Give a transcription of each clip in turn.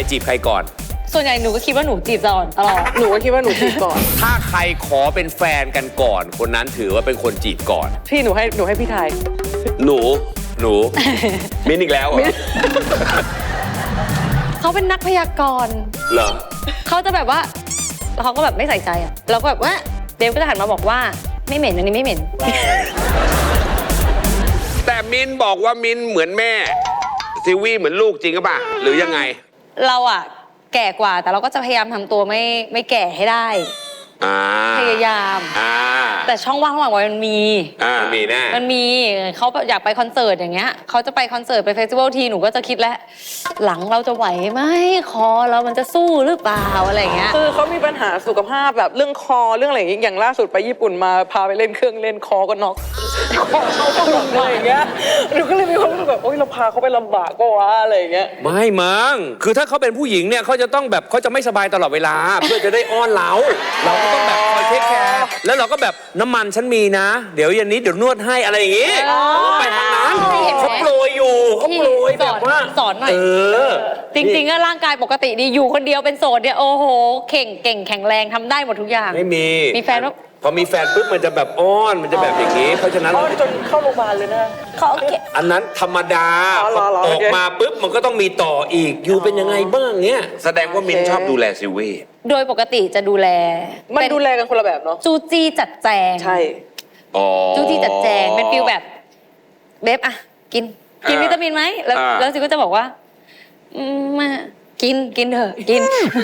จีบใครก่อนส่วนใหญ่หนูก็คิดว่าหนูจีบก่อนตลอดหนูก็คิดว่าหนูจีบก่อนถ้าใครขอเป็นแฟนกันก่อนคนนั้นถือว่าเป็นคนจีบก่อนพี่หนูให้พี่ไทยหนู มิ้นอีกแล้วเหรอเขาเป็นนักพยากรณ์เหรอเขาจะแบบว่าเขาก็แบบไม่ใส่ใจอ่ะเราก็แบบว่าเดฟก็จะหันมาบอกว่าไม่เหม็นอันนี้ไม่เหม็นแต่มิ้นบอกว่ามิ้นเหมือนแม่ซิวี่เหมือนลูกจริงหรือเปล่าหรือยังไงเราอ่ะแก่กว่าแต่เราก็จะพยายามทำตัวไม่แก่ให้ได้พยายามแต่ช่องว่างระหว่างวัยมันมีแน่มันมีเขาอยากไปคอนเสิร์ตอย่างเงี้ยเขาจะไปคอนเสิร์ตไปเฟสติวัลทีหนูก็จะคิดแล้วหลังเราจะไหวไหมคอเรามันจะสู้หรือเปล่าอะไรเงี้ยคือเขามีปัญหาสุขภาพแบบเรื่องคอเรื่องอะไรอย่างล่าสุดไปญี่ปุ่นมาพาไปเล่นเครื่องเล่นคอก็น็อกคอเขาก็ลงอะไรอย่างเงี้ยหนูก็เลยมีความรู้สึกแบบโอ๊ยเราพาเขาไปลำบากก็วะอะไรอย่างเงี้ยไม่มั้งคือถ้าเขาเป็นผู้หญิงเนี่ยเขาจะต้องแบบเขาจะไม่สบายตลอดเวลาเพื่อจะได้อ้อนเราก็ต้องแบบคอยเทคแคร์แล้วเราก็แบบน้ำมันฉันมีนะเดี๋ยวเย็นนี้เดี๋ยวนวดให้อะไรอย่างงี้ไปทางนั้นเขาโปรยอยู่เขาโปรยแบบว่าสอนหน่อยจริงๆก็ร่างกายปกติดีอยู่คนเดียวเป็นโสดเนี่ยโอ้โหเก่งแข็งแรงทำได้หมดทุกอย่างไม่มีแฟนแล้วพอมีแฟนปุ๊บมันจะแบบอ้อนมันจะแบบอย่างนี้เพราะฉะนั้นอ้อนจนเข้าโรงพยาบาลเลยนะเขาอันนั้นธรรมดาออกมาปุ๊บมันก็ต้องมีต่ออีกอยู่เป็นยังไงบ้างเนี้ยแสดงว่ามินชอบดูแลซิวี่โดยปกติจะดูแลมันดูแลกันคนละแบบเนาะจูจี้จัดแจงใช่จูจี้จัดแจงเป็นฟิลแบบเบฟอะกินวิตามินไหมแล้วซิก็จะบอกว่ามากินเถอะกิน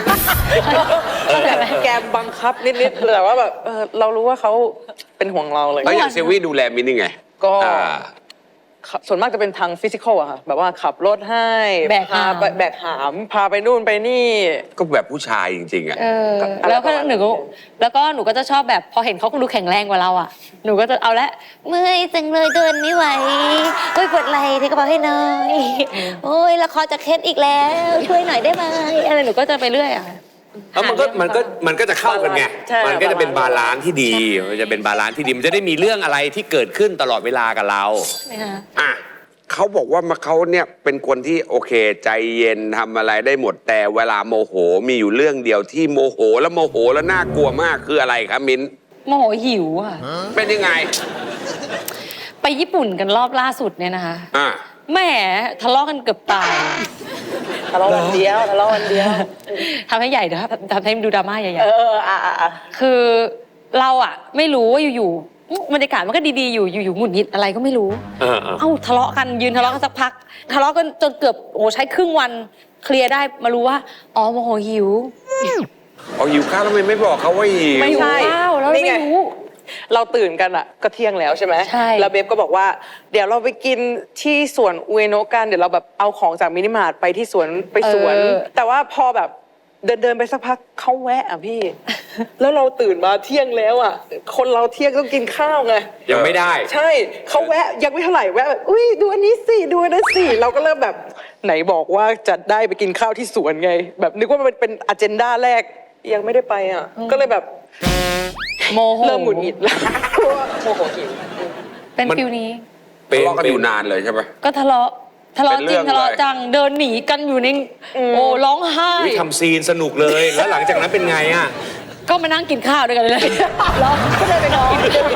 แกมบังคับนิดๆแต่ว่าแบบเรารู้ว่าเขาเป็นห่วงเราเลยแล้วอย่างเซวี่ดูแลมินยังไงก็ส่วนมากจะเป็นทางฟิสิกอลอะค่ะแบบว่าขับรถให้พาแบกหามพาไปนู่นไปนี่ก็แบบผู้ชายจริงๆอะแล้วก็หนูก็จะชอบแบบพอเห็นเขาดูแข็งแรงกว่าเราอะหนูก็จะเอาละเมื่อยจังเลยเดินไม่ไหวโอ้ยปวดไหล่ที่กระเป๋าให้หน่อยโอ้ยละครจะเคล็ดอีกแล้วช่วยหน่อยได้ไหมอะไรหนูก็จะไปเรื่อยอะมันก็จะเข้ากันไงมันก็จะเป็นบาลานซ์ที่ดีมันจะเป็นบาลานซ์ที่ดีมันจะได้มีเรื่องอะไรที่เกิดขึ้นตลอดเวลากับเราเขาบอกว่าเขาเนี่ยเป็นคนที่โอเคใจเย็นทำอะไรได้หมดแต่เวลาโมโหมีอยู่เรื่องเดียวที่โมโหแล้วน่ากลัวมากคืออะไรครับมิ้นโมโหหิวอะเป็นยังไงไปญี่ปุ่นกันรอบล่าสุดเนี่ยนะคะแหมทะเลาะกันเกือบตายทะเลาะวันเดียวทำให้ใหญ่เดี๋ยวทำให้ดูดราม่าใหญ่ๆคือเราอะไม่รู้ว่าอยู่บรรยากาศมันก็ดีๆอยู่หงุดหงิดอะไรก็ไม่รู้ทะเลาะกันยืนทะเลาะกันสักพักทะเลาะกันจนเกือบใช้ครึ่งวันเคลียร์ได้มารู้ว่าอ๋อโมโหหิวหิวข้าวทำไมไม่บอกเขาว่าหิวไม่ใช่แล้วไม่รู้เราตื่นกันอะก็เที่ยงแล้วใช่ไหมใช่แล้วเบฟก็บอกว่าเดี๋ยวเราไปกินที่สวนอุเอโนะกันเดี๋ยวเราแบบเอาของจากมินิมาร์ทไปที่สวนแต่ว่าพอแบบเดินไปสักพักเขาแวะอ่ะพี่แล้วเราตื่นมาเที่ยงแล้วอ่ะคนเราเที่ยงต้องกินข้าวไงยังไม่ได้ใช่เขาแวะยังไม่เท่าไหร่แวะแบบอุ้ยดูอันนี้สิดูอันนั้นสิเราก็เริ่มแบบไหนบอกว่าจะได้ไปกินข้าวที่สวนไงแบบนึกว่ามันเป็นอเจนดาแรกยังไม่ได้ไปอ่ะก็เลยแบบโมโหเริ่มหงุดหงิดแล้วโมโหหิวเป็นฟิวนี้ทะเลาะกันอยู่นานเลยใช่ไหมก็ทะเลาะจริงทะเลาะจังเดินหนีกันอยู่ในร้องไห้ทำซีนสนุกเลยแล้วหลังจากนั้นเป็นไงอ่ะก็มานั่งกินข้าวด้วยกันเลยร้องก็เลยไปนอน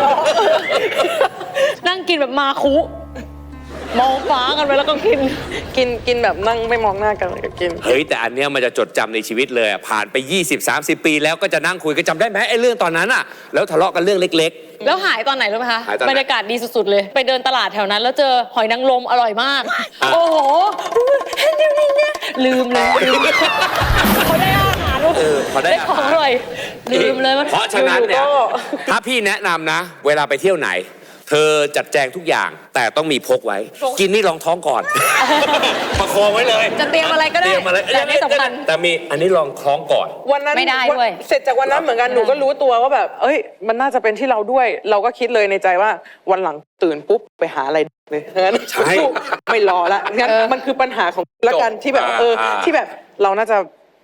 นั่งกินแบบมาคุมองฟ้ากันไปแล้วก็กินแบบนั่งไม่มองหน้ากันก็กินเฮ้ยแต่อันเนี้ยมันจะจดจำในชีวิตเลยผ่านไป20-30 ปีแล้วก็จะนั่งคุยก็จำได้ไหมไอ้เรื่องตอนนั้นอ่ะแล้วทะเลาะกันเรื่องเล็กๆแล้วหายตอนไหนรู้ไหมคะบรรยากาศดีสุดๆเลยไปเดินตลาดแถวนั้นแล้วเจอหอยนางรมอร่อยมากโอ้โหเดี๋ยวนี้เนี่ยลืมเลยเขาได้อาหารเขาได้ของอร่อยลืมเลยเพราะฉะนั้นเนี่ยถ้าพี่แนะนำนะเวลาไปเที่ยวไหนเธอจัดแจงทุกอย่างแต่ต้องมีพกไว้กินนี่รองท้องก่อนประคองไว้เลยจะเตรียมอะไรก็ได้แต่ไม่สำคัญแต่มีอันนี้รองท้องก่อนวันนั้นไม่ได้ด้วยเสร็จจากวันนั้นเหมือนกันหนูก็รู้ตัวว่าแบบเอ้ยมันน่าจะเป็นที่เราด้วยเราก็คิดเลยในใจว่าวันหลังตื่นปุ๊บไปหาอะไรเลยงั้นไม่รอละงั้นมันคือปัญหาของละกันที่แบบที่แบบเราน่าจะ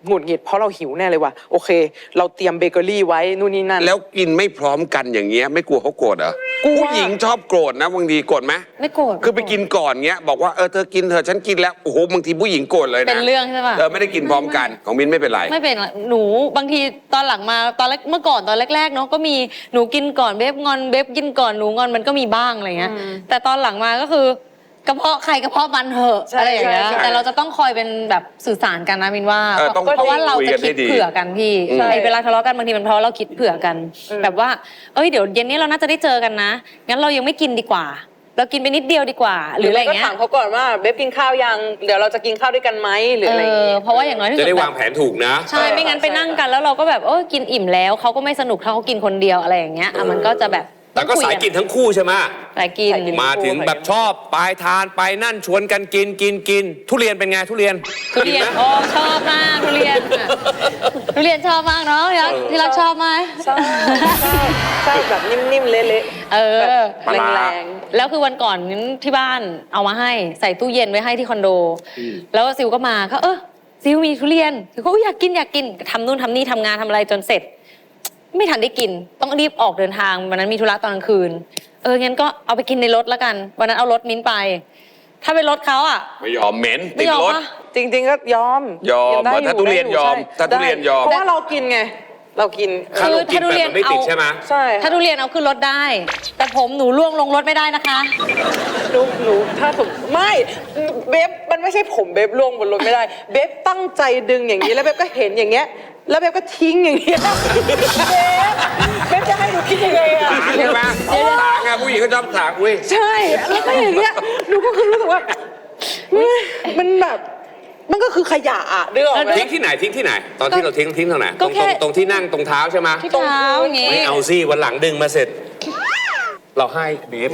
หงุดหงิดเพราะเราหิวแน่เลยว่ะโอเค เราเตรียมเบเกอรี่ไว้นู่นนี่นั่นแล้วกินไม่พร้อมกันอย่างเงี้ยไม่กลัวเขาโกรธเหรอกลัวผู้หญิงชอบโกรธนะบางทีโกรธไหมไม่โกรธคือไปกินก่อนเงี้ยบอกว่าเธอกินเถอะฉันกินแล้วโอ้โหบางทีผู้หญิงโกรธเลยนะเป็นเรื่องใช่ป่ะไม่ได้กินพร้อมกันของมิ้นไม่เป็นไรไม่เป็นหนูบางทีตอนหลังมาตอนแรกเมื่อก่อนตอนแรกๆเนาะก็มีหนูกินก่อนเบบงอนเบบกินก่อนหนูงอนมันก็มีบ้างอะไรเงี้ยแต่ตอนหลังมาก็คือกระเพาะใครกระเพาะมันเหอะอะไรอย่างเงี้ยแต่เราจะต้องคอยเป็นแบบสื่อสารกันนะมินว่าต้องเพราะว่าเราจะคิดเผื่อกันพี่ไอ้เวลาทะเลาะกันบางทีมันเพราะเราคิดเผื่อกัน แบบว่าเดี๋ยวเย็นนี้เราน่าจะได้เจอกันนะงั้นเรายังไม่กินดีกว่า เรากินไปนิดเดียวดีกว่าหรืออะไรก็เงี้ยถามเขาก่อนว่าเบฟกินข้าวยังเดี๋ยวเราจะกินข้าวด้วยกันไหมหรืออะไรอย่างงี้เพราะว่าอย่างน้อยที่สุจะดได้แบวางบแผนถูกนะใช่ไม่งั้นไปนั่งกันแล้วเราก็แบบกินอิ่มแล้วเขาก็ไม่สนุกถ้าเขากินคนเดียวอะไรอย่างเงี้ยมันก็จะแบบแต่ก็สายกินทั้งคู่ใช่ไหมสายกินมาถึงแบบชอบไปทานไปนั่นชวนกันกินทุเรียนเป็นไงทุเรียนทุเรียนกิไหมชอบมากทุเรียนทุเรียนชอบมากเนาะที่รักชอบไหมใช่ใช่แบบนิ่มๆเละๆแบบแรงแล้วคือวันก่อนที่บ้านเอามาให้ใส่ตู้เย็นไว้ให้ที่คอนโด แล้วซิวก็มาก็ซิวมีทุเรียนซิวก็อยากกินทำนู่นทำนี่ทำงานทำอะไรจนเสร็จ ไม่ทันได้กินต้องรีบออกเดินทางวันนั้นมีธุระตอนกลางคืนงั้นก็เอาไปกินในรถแล้วกันวันนั้นเอารถมิ้นไป ถ้าเป็นรถเขาอ่ะไม่ยอมเหม็นไม่ติดยอมรถปะๆจริงๆก็ยอมถ้าทุเรียนยอมใช่ถ้าทุเรียนยอมเพราะว่าเรากินไงเรากินถ้าเรากินแบบมันไม่ติดใช่ไหมใช่ถ้าทุเรียนเอาขึ้นรถได้ แต่ผมหนูล่วงลงรถไม่ได้นะคะหนูถ้าถูกไม่เบฟมันไม่ใช่ผมเบฟล่วงบนรถไม่ได้เบฟตั้งใจดึงอย่างนี้แล้วเบฟก็เห็นอย่างเงี้ยแล้วเบฟก็ทิ้งอย่างเงี้ยเบฟจะให้หนูคิดยังไงอะถางใช่ไหมถางไงผู้หญิงก็ชอบถางอุ้ยใช่แล้วก็อย่างเงี้ยหนูก็คือรู้สึกว่ามันแบบมันก็คือขยะอะเรื่องทิ้งที่ไหนตอนที่เราทิ้งตรงไหนก็แค่ตรงที่นั่งตรงเท้าใช่ไหมที่เท้าอย่างงี้ไม่เอาสิวันหลังดึงมาเสร็จ เราให้เบฟ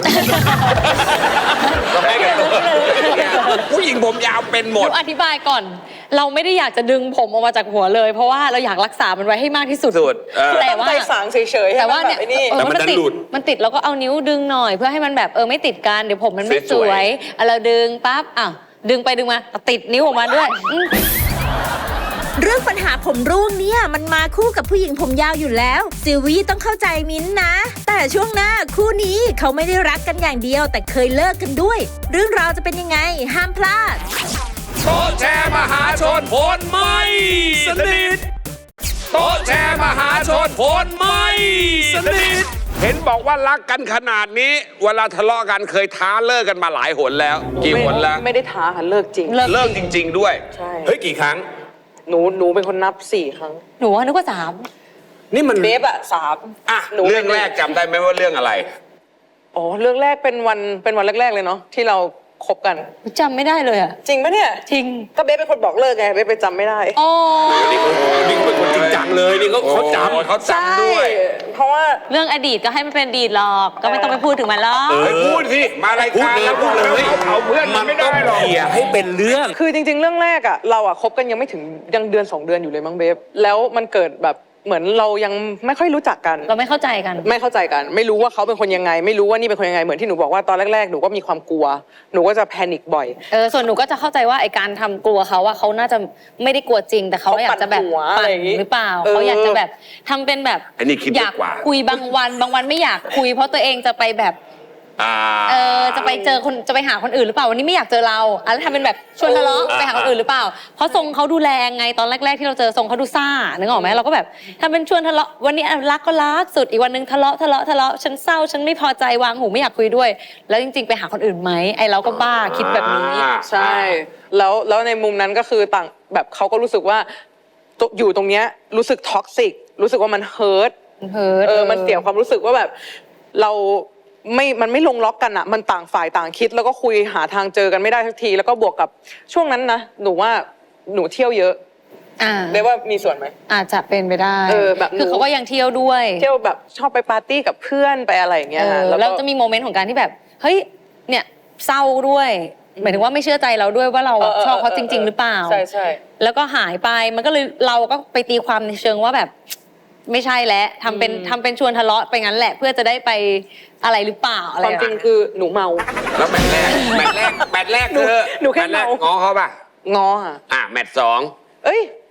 เราให้กันผู้หญิงผมยาวเป็นหมหดนูอธิบายก่อน เราไม่ได้อยากจะดึงผมออกมาจากหัวเลย เพราะว่าเราอยากรักษามันไว้ให้มากที่สุด แต่ตั้งว่าใจสางเฉยๆให้แต่มัว่านแบเนี่ยบไอ้นี่แต่มันดันหลุดมันติดแล้วก็เอานิ้วดึงหน่อยเพื่อให้มันแบบไม่ติดกันเดี๋ยวผมมันไม่สสวยๆวยเราดึงปั๊บดึงไปดึงมาติดนิ้วออกมาด้วยเรื่องปัญหาผมร่วงเนี่ยมันมาคู่กับผู้หญิงผมยาวอยู่แล้วซิลวี่ต้องเข้าใจมิ้นท์นะ แต่ช่วงหน้าคู่นี้เขาไม่ได้รักกันอย่างเดียว แต่เคยเลิกกันด้วย เรื่องราวจะเป็นยังไงห้ามพลาดโต๊ะแชร์มหาชนผลไม่สนิทโต๊ะแชร์มหาชนผลไม่สนิทเห็นบอกว่ารักกันขนาดนี้ เวลาทะเลาะกันเคยท้าเลิกกันมาหลายหนแล้ว กี่หนแล้วไม่ได้ท้าค่ะเลิกจริงเลิกจริง ๆ ด้วยใช่เฮ้ยกี่ครั้งหนูเป็นคนนับ4 ครั้งหนูว่านึกว่า3 นี่มันเบฟอะ3 อ่ะเรื่องแรกจำได้ไหมว่าเรื่องอะไรอ๋อเรื่องแรกเป็นวันแรกๆเลยเนาะที่เราคบกันจำไม่ได้เลยอะจริงปะเนี่ยจริงก็เบฟเป็นคนบอกเลิกไงเบฟไปจำไม่ได้อ๋อนี่เขาเป็นคนจริงจังเลยนี่เขาจำเขาจำด้วยเพราะว่าเรื่องอดีตก็ให้มันเป็นอดีตหรอกก็ไม่ต้องไปพูดถึงมันหรอกพูดสิมารายการแล้วพูดเลยเขาเพื่อนมันไม่ได้หรอกเขี่ยให้เป็นเรื่องคือจริง ๆ เรื่องแรกอะเราอะคบกันยังไม่ถึงยังเดือน 2 เดือนอยู่เลยมั้งเบฟแล้วมันเกิดแบบเหมือนเรายังไม่ค่อยรู้จักกันเราไม่เข้าใจกันไม่เข้าใจกัน ไม่รู้ว่าเขาเป็นคนยังไง ไม่รู้ว่านี่เป็นคนยังไงเหมือนที่หนูบอกว่าตอนแรกๆหนูก็มีความกลัว หนูก็จะแพนิคบ่อยส่วนหนูก็จะเข้าใจว่าไอการทำกลัวเขาอะเขาน่าจะไม่ได้กลัวจริง แต่เขาอยากจะแบบเขาปั่นหัวอะไรอย่างงี้หรือเปล่าเขาอยากจะแบบทำเป็นแบบอันนี้คิดอยากดีกว่าคุยบางวันไม่อยากคุย เพราะตัวเองจะไปแบบจะไปเจอคนจะไปหาคนอื่นหรือเปล่าวันนี้ไม่อยากเจอเราแล้วทำเป็นแบบชวนทะเลาะไปหาคนอื่นหรือเปล่า เพราะทรงเขาดูแลไงตอนแรกๆที่เราเจอทรงเขาดูซ่านึกออกไหมเราก็แบบทำเป็นชวนทะเลาะวันนี้รักก็รักสุดอีกวันนึงทะเลาะฉันเศร้าฉันไม่พอใจวางหูไม่อยากคุยด้วย แล้วจริงๆไปหาคนอื่นไหมไอเราก็บ้าคิดแบบนี้ใช่แล้วในมุมนั้นก็คือต่างแบบเขาก็รู้สึกว่าอยู่ตรงเนี้ยรู้สึกท็อกซิกรู้สึกว่ามันเฮิร์ต มันเสียความรู้สึกว่าแบบมันไม่ลงล็อกกันอ่ะมันต่างฝ่ายต่างคิดแล้วก็คุยหาทางเจอกันไม่ได้สักทีแล้วก็บวกกับช่วงนั้นนะหนูว่าหนูเที่ยวเยอะเรียกว่ามีส่วนไหมอาจจะเป็นไปได้แบบหนูคือเขาก็ยังเที่ยวด้วยเที่ยวแบบชอบไปปาร์ตี้กับเพื่อนไปอะไรอย่างเงี้ยฮะแล้วจะมีโมเมนต์ของการที่แบบเฮ้ยเนี่ยเศร้าด้วยหมายถึงว่าไม่เชื่อใจเราด้วยว่าเราชอบเขาจริง ๆ หรือเปล่าใช่แล้วก็หายไปมันก็เลยเราก็ไปตีความในเชิงว่าแบบไม่ใช่แล้วทำเป็นชวนทะเลาะไปงั้นแหละเพื่อจะได้ไปอะไรหรือเปล่าอะไรความจริงคือหนูเมาแล้วแมตช์แรกคือหนูแค่มตช์แรกเมาง้อเขาป่ะง้อแมตช์ 2 เอ้ย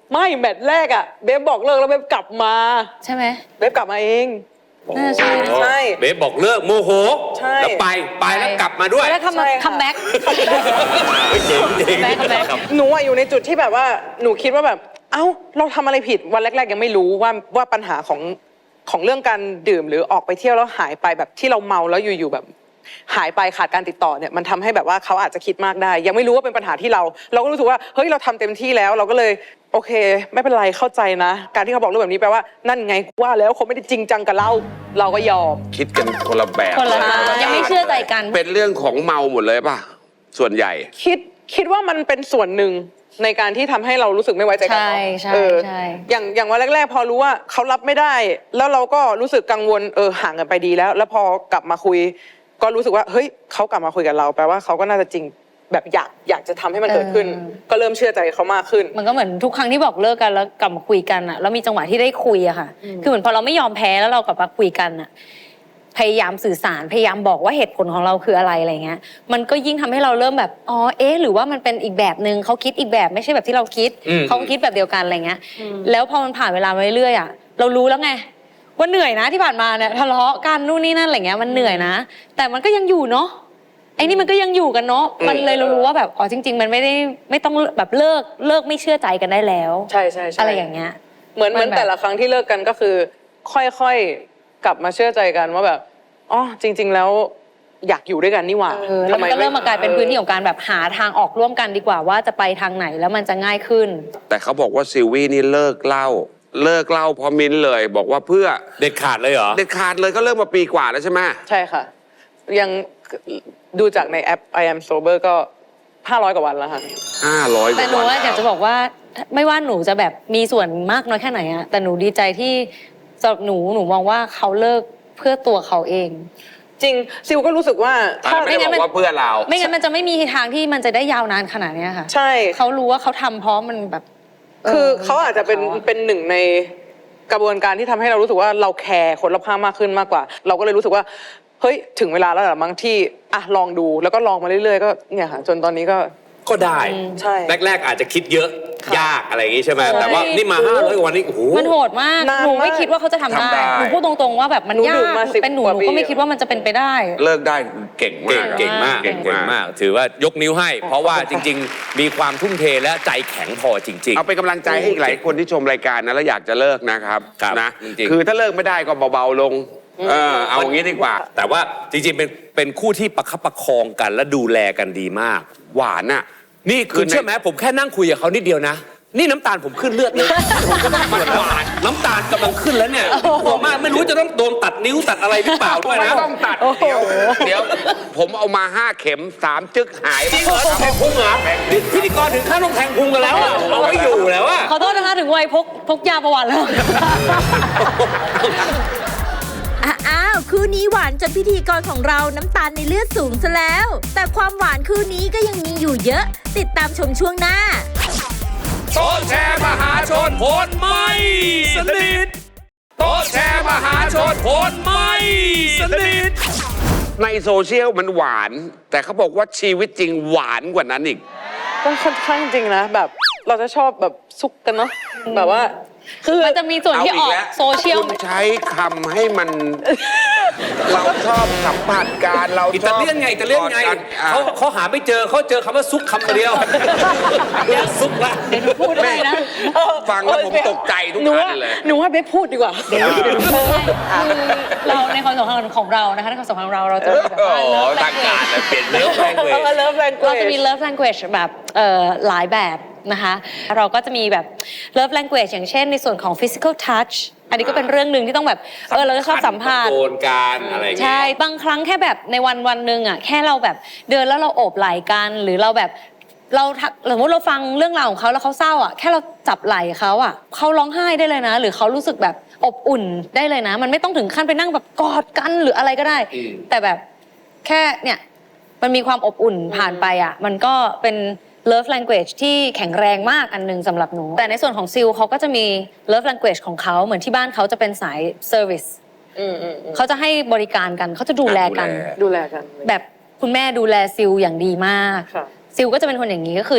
ไม่แมตช์แรกอ่ะเบฟบอกเลิกแล้วเบฟกลับมาใช่ไหมเบฟกลับมาเองน่าจะใช่ใช่เบฟบอกเลิกโมโหใช่แล้วไปแล้วกลับมาด้วยแล้วใช่ค่ะคัมแบ็กเจ๋งจริงแบ็คแบ็คหนูอะอยู่ในจุดที่แบบว่าหนูคิดว่าแบบ เอ้าเราทำอะไรผิดวันแรกๆยังไม่รู้ว่าปัญหาของเรื่องการดื่มหรือออกไปเที่ยวแล้วหายไปแบบที่เราเมาแล้วอยู่ๆแบบ หายไปขาดการติดต่อเนี่ยมันทำให้แบบว่าเขาอาจจะคิดมากได้ ยังไม่รู้ว่าเป็นปัญหาที่เราก็รู้สึกว่าเฮ้ยเราทำเต็มที่แล้วเราก็เลยโอเค ไม่เป็นไรเข้าใจนะ การที่เขาบอกเรื่องแบบนี้แปลว่านั่นไงว่าแล้วเขาไม่ได้จริงจังกับเราก็ยอมคิดกันคนละแบบคนละทางยังไม่เชื่อใจกันเป็นเรื่องของเมาหมดเลยป่ะ ส่วนใหญ่คิดว่ามันเป็นส่วนหนึ่งในการที่ทำให้เรารู้สึกไม่ไว้ใจกันใช่เนาะใช่ใช่อย่างวันแรกๆ พอรู้ว่าเขารับไม่ได้ แล้วเราก็รู้สึกกังวลห่างกันไปดีแล้วพอกลับมาคุย ก็รู้สึกว่าเฮ้ยเขากลับมาคุยกับเราแปลว่าเขาก็น่าจะจริงแบบอยากจะทำให้มันเกิดขึ้น ก็เริ่มเชื่อใจเขามากขึ้นมันก็เหมือนทุกครั้งที่บอกเลิกกันแล้วกลับมาคุยกันอะแล้วมีจังหวะที่ได้คุยอะค่ะ คือเหมือนพอเราไม่ยอมแพ้แล้วเรากลับมาคุยกันอะพยายามสื่อสารพยายามบอกว่าเหตุผลของเราคืออะไรอะไรเงี้ยมันก็ยิ่งทำให้เราเริ่มแบบอ๋อเอ๊ะหรือว่ามันเป็นอีกแบบนึงเขาคิดอีกแบบไม่ใช่แบบที่เราคิดอืมเขาคิดแบบเดียวกันอะไรเงี้ยแล้วพอมันผ่านเวลามาเรื่อยๆอะเรารู้แล้วไงว่าเหนื่อยนะที่ผ่านมาเนี่ยทะเลาะกันนู่นนี่นั่นอะไรเงี้ยมันเหนื่อยนะ แต่มันก็ยังอยู่เนาะไอ้นี่มันก็ยังอยู่กันเนาะมันเลยเรารู้ว่าแบบอ๋อจริง ๆ มันไม่ต้องแบบเลิกไม่เชื่อใจกันได้แล้วใช่อะไรอย่างเงี้ยเหมือนมันแบบแต่ละครั้งที่เลิกกันก็คือ ค่อยๆกลับมาเชื่อใจกันว่าแบบอ๋อจริง ๆ แล้วอยากอยู่ด้วยกันนี่หว่าแล้วมันก็เริ่มมากลายเป็นพื้นที่ของการแบบหาทางออกร่วมกันดีกว่าว่าจะไปทางไหนแล้วมันจะง่ายขึ้นแต่เขาบอกว่าซิลวี่นี่เลิกเหล้าเพราะมิ้นท์เลย บอกว่าเพื่อเด็ดขาดเลยเหรอเด็ดขาดเลยก็เลิกมาปีกว่าแล้วใช่ไหมใช่ค่ะ ยังดูจากในแอป I am sober ก็ 500 กว่าวันแล้วค่ะ 500 แต่หนูว่าอยากจะบอกว่าไม่ว่าหนูจะแบบมีส่วนมากน้อยแค่ไหนอะแต่หนูดีใจที่สำหรับหนูมองว่าเขาเลิกเพื่อตัวเขาเองจริงซิลก็รู้สึกว่าแต่ไม่ได้บอกว่าเพื่อเราไม่งั้นมันจะไม่มีทางที่มันจะได้ยาวนานขนาดเนี้ยค่ะใช่เขารู้ว่าเขาทำเพราะมันแบบคือเขาอาจจะเป็นหนึ่งในกระบวนการที่ทำให้เรารู้สึกว่าเราแคร์คนรอบข้างมากขึ้นมากกว่า เราก็เลยรู้สึกว่าเฮ้ยถึงเวลาแล้วแหละมั้งที่ลองดูแล้วก็ลองมาเรื่อยๆก็เนี่ยค่ะจนตอนนี้ก็ก็ได้ใช่แรกๆอาจจะคิดเยอะค่ะยากอะไรอย่างงี้ใช่ไหมใช่แต่ว่านี่มา500กว่าวันนี้โอ้โหมันโหดมากนานมากหนูไม่คิดว่าเขาจะทำได้ทำได้หนูพูดตรงๆว่าแบบมันหนูยาดื่กมมา10 เป็นหนูกว่าหนูปีก็ไม่คิดว่ามันจะเป็นไปได้เลิกได้เก่งมากเก่งมากเก่งเก่งมาก ถือว่ายกนิ้วให้ เพราะว่าจริง ๆ มีความทุ่มเทและใจแข็งพอจริงเอาเป็นกำลังใจให้อีกหลายคนที่ชมรายการนะแล้วอยากจะเลิกนะครับครับนะจริงๆคือถ้าเลิกไม่ได้ก็เบาๆลงเอาอย่างนี้ดีกว่าๆ แต่ว่าจริงๆเป็นคู่ที่ประคับประคองกันและดูแลกันดีมากหวานอ่ะนี่คือเชื่อไหมผมแค่นั่งคุยกับเขานิดเดียวนะ นี่น้ำตาลผมขึ้นเลือดเลยผมก็ต้องมันหวานน้ำตาลกำลังขึ้นแล้วเนี่ยกลัวมากไม่รู้จะต้องโดนตัดนิ้วตัดอะไรหรือเปล่าด้วยไม่นะต้องตัดเดี๋ยวผมเอามา5 เข็ม 3 จึกหายจริงเหรอแทงพุงเหรอพิธีกรถึงขั้นต้องแทงพุงกันแล้วอะเอาไม่อยู่แล้วอะขอโทษนะคะถึงวัยพกยาประวัติแล้วอ้าวคู่นี้หวานจนพิธีกรของเราน้ำตาลในเลือดสูงซะแล้ว แต่ความหวานคู่นี้ก็ยังมีอยู่เยอะ ติดตามชมช่วงหน้าโต๊ะแชร์มหาชนผลไม่สนิทโต๊ะแชร์มหาชนผลไม่สนิทในโซเชียลมันหวาน แต่เขาบอกว่าชีวิตจริงหวานกว่านั้นอีกก็ค่อนข้างจริงนะแบบเราจะชอบแบบซุกกันเนาะแบบว่าคือมันจะมีส่วนที่ออกโซเชียลคุณใช้คำให้มัน เราชอบสัมผัสการเราอิตาเลียนไงอิตาเลียนไงเขาหาไม่เจอเขาเจอคำว่าซุกคำเดียวเรียกซุกละเดี๋ยวหนูพูดได้นะฟังแล้วผมตกใจทุกหนูอัว่านเลยหนูว่าเบสพูดดีกว่าเราในความสัมพันธ์ของเรานะคะในความสัมพันธ์ของเราจะมีแบบโอ้ว่าโห love ทางการ language เลยเปลี่ยนเนื้อแปลงเลยเลิฟแรงเราจะมี love language แบบหลายแบบนะคะ เราก็จะมีแบบ love language อย่างเช่นในส่วนของ physical touch อันนี้ก็เป็นเรื่องหนึ่งที่ต้องแบบเราก็ชอบสัมผัสโดนการอะไรอย่างเงี้ยใช่บางครั้งแค่แบบในวันหนึ่งอ่ะแค่เราแบบเดินแล้วเราโอบไหล่กันหรือเราแบบสมมติเราฟังเรื่องราวของเขาแล้วเขาเศร้าอ่ะแค่เราจับไหล่เขาอ่ะเขาร้องไห้ได้เลยนะ หรือเขารู้สึกแบบอบอุ่นได้เลยนะ มันไม่ต้องถึงขั้นไปนั่งแบบกอดกันหรืออะไรก็ได้ แต่แบบแค่เนี่ยมันมีความอบอุ่นผ่านไปอ่ะมันก็เป็น love language ที่แข็งแรงมากอันหนึงสำหรับหนูแต่ในส่วนของซิลเขาก็จะมี love language ของเขาเหมือนที่บ้านเขาจะเป็นสาย service เขาจะให้บริการกันเขาจะดูแลกันดูแลกันแบบคุณแม่ดูแลซิลอย่างดีมากค่ะซิลก็จะเป็นคนอย่างนี้ก็คือจะแบบ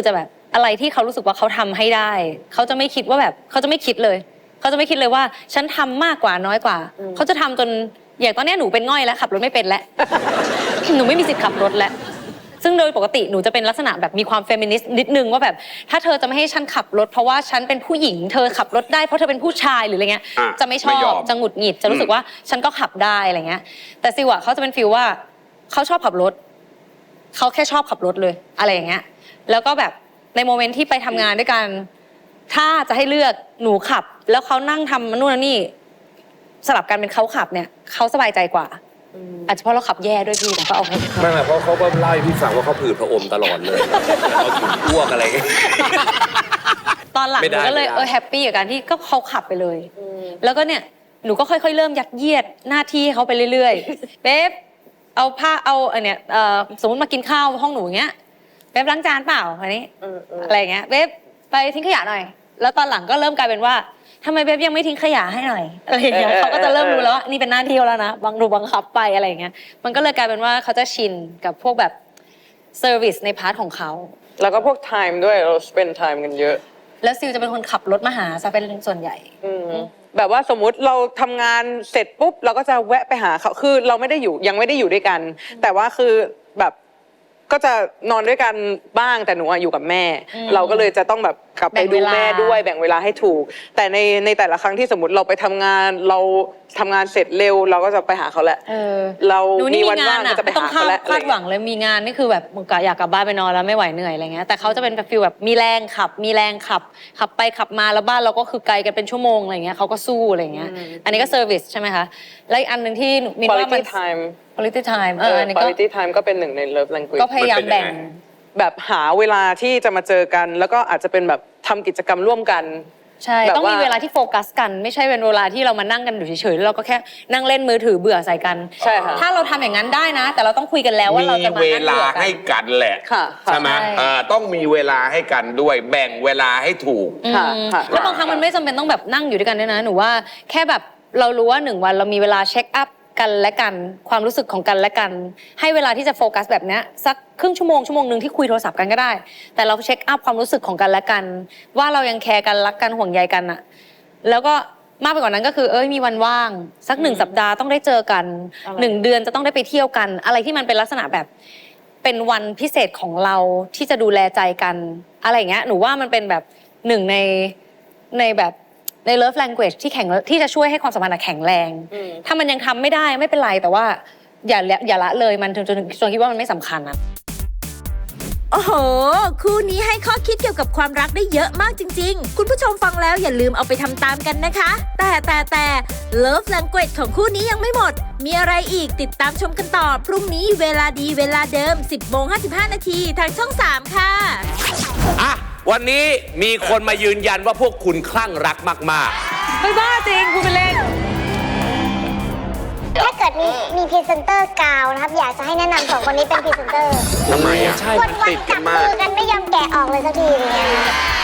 อะไรที่เขารู้สึกว่าเขาทำให้ได้เขาจะไม่คิดว่าแบบเขาจะไม่คิดเลยเขาจะไม่คิดเลยว่าฉันทำมากกว่าน้อยกว่าเขาจะทำจนอย่างตอนเนี้ยหนูเป็นง่อยแล้วขับรถไม่เป็นแล้ว หนูไม่มีสิทธิ์ขับรถแล้วซึ่งโดยปกติหนูจะเป็นลักษณะแบบมีความเฟมินิสต์นิดนึงว่าแบบถ้าเธอจะไม่ให้ฉันขับรถเพราะว่าฉันเป็นผู้หญิงเธอขับรถได้เพราะเธอเป็นผู้ชายหรืออะไรเงี้ยจะไม่ชอบจะหงุดหงิดจะรู้สึกว่าฉันก็ขับได้อะไรเงี้ยแต่ซิวอะเขาจะเป็นฟีลว่าเขาชอบขับรถเขาแค่ชอบขับรถเลยอะไรอย่างเงี้ยแล้วก็แบบในโมเมนต์ที่ไปทำงานด้วยกันถ้าจะให้เลือกหนูขับแล้วเขานั่งทำนู่นนี่สลับกันเป็นเขาขับเนี่ยเขาสบายใจกว่าอาจจะเพราะเราขับแย่ด้วยพี่แต่ก็เอาไม่เพราะเขาก็เล่าให้พี่ฟังว่าเขาผืดพระอมตลอดเลยเขาถึงอ้วกอะไรเงี้ยตอนหลังไม่หได้นูก็เลยไม่ได้แฮปปี้กับการที่ก็เขาขับไปเลยแล้วก็เนี่ยหนูก็ค่อยๆเริ่มยัดเยียดหน้าที่ให้เขาไปเรื่อยๆเบ๊บเอาผ้าเอาเนี่ยสมมติมากินข้าวห้องหนูอย่างเงี้ยเบ๊บล้างจานเปล่าอันนี้อะไรอย่างเงี้ยเบ๊บไปทิ้งขยะหน่อยแล้วตอนหลังก็เริ่มกลายเป็นว่าทำไมเบ๊บยังไม่ทิ้งขยะให้หน่อยอะไรอย่างเงี้ยเขาก็จะเริ่มรู้แล้วว่านี่เป็นหน้าที่แล้วนะบังคับไปอะไรอย่างเงี้ยมันก็เลยกลายเป็นว่าเขาจะชินกับพวกแบบเซอร์วิสในพาร์ทของเขาแล้วก็พวก time ด้วยเรา spend time กันเยอะแล้วซิลจะเป็นคนขับรถมาหาซะเป็นส่วนใหญ่แบบว่าสมมุติเราทำงานเสร็จปุ๊บเราก็จะแวะไปหาเขาคือเราไม่ได้อยู่ยังไม่ได้อยู่ด้วยกัน แต่ว่าคือแบบก็จะนอนด้วยกันบ้างแต่หนูอะอยู่กับแม่ เราก็เลยจะต้องแบบกลับไปดูแม่ด้วยแบ่งเวลาให้ถูก แต่ในแต่ละครั้งที่สมมติเราไปทำงานเราทำงานเสร็จเร็วเราก็จะไปหาเขาแหละเราหนูมีนี่วันมีงาว่าน งอ่ะก็จะไปไม่ต้องหาเขาแหละคาดหวังเลยมีงานนี่คือแบบมึงกะอยากกลับบ้านไปนอนแล้วไม่ไหวเหนื่อยอะไรเงี้ยแต่เขาจะเป็นแบบฟีลแบบมีแรงขับไปขับมาแล้วบ้านเราก็คือไกลกันเป็นชั่วโมงอะไรเงี้ยเขาก็สู้อะไรเงี้ยอันนี้ก็เซอร์วิสใช่ไหมคะและอีกอันหนึ่งที่มีว่ามัน quality time quality time อันนี้ก็ quality time ก็เป็นหนึ่งใน love language ก็พยายามแบ่งแบบหาเวลาที่จะมาเจอกัน แล้วก็อาจจะเป็นแบบทำกิจกรรมร่วมกันใช่แบบต้องมีว่าเวลาที่โฟกัสกันไม่ใช่เป็นเวลาที่เรามานั่งกันอยู่เฉยๆแล้วเราก็แค่นั่งเล่นมือถือเบื่อใส่กันใช่ค่ะถ้าเราทำอย่างนั้นได้นะ แต่เราต้องคุยกันแล้วว่าเรามีจะมาเวนั่งลาเบื่อกันให้กันแหละค่ะใช่ไหมใช่ต้องมีเวลาให้กันด้วยแบ่งเวลาให้ถูกค่ะค่ะแล้วบางครั้งมันไม่จำเป็นต้องแบบนั่งอยู่ด้วยกันด้วยนะหนูว่าแค่แบบเรารู้ว่า1 วันเรามีเวลาเช็คอัพกันและกันความรู้สึกของกันและกัน ให้เวลาที่จะโฟกัสแบบเนี้ยสักครึ่งชั่วโมงนึงที่คุยโทรศัพท์กันก็ได้ แต่เราเช็คอัพความรู้สึกของกันและกัน ว่าเรายังแคร์กันรักกันห่วงใยกันอะแล้วก็มากไปกว่านั้นก็คือมีวันว่างสัก1 สัปดาห์ต้องได้เจอกัน1 เดือนจะต้องได้ไปเที่ยวกัน อะไรที่มันเป็นลักษณะแบบเป็นวันพิเศษของเราที่จะดูแลใจกันอะไรอย่างเงี้ยหนูว่ามันเป็นแบบหนึ่งในแบบใน love language ที่จะช่วยให้ความสัมพันธ์แข็งแรง ถ้ามันยังทำไม่ได้ไม่เป็นไรแต่ว่าอย่าละเลยมันจนคิดว่ามันไม่สำคัญนะโอ้โห คู่นี้ให้ข้อคิดเกี่ยวกับความรักได้เยอะมากจริงๆ คุณผู้ชมฟังแล้วอย่าลืมเอาไปทำตามกันนะคะ แต่ Love Language ของคู่นี้ยังไม่หมด มีอะไรอีกติดตามชมกันต่อ พรุ่งนี้เวลาดีเวลาเดิม 10:55 นาทีทางช่อง 3 ค่ะอ่ะวันนี้มีคนมายืนยันว่าพวกคุณคลั่งรักมากไม่บ้าจริงคุณไปเล่นถ้าเกิดมีพรีเซนเตอร์กาวนะครับอยากจะให้แนะนำ2 คนนี้เป็นพรีเซนเตอร์ทำไมอ่ะๆ ใช่วัมันนติดๆกัจันบมามืกอกันไม่ยอมแกะออกเลยสักทีอย่างเงี้ย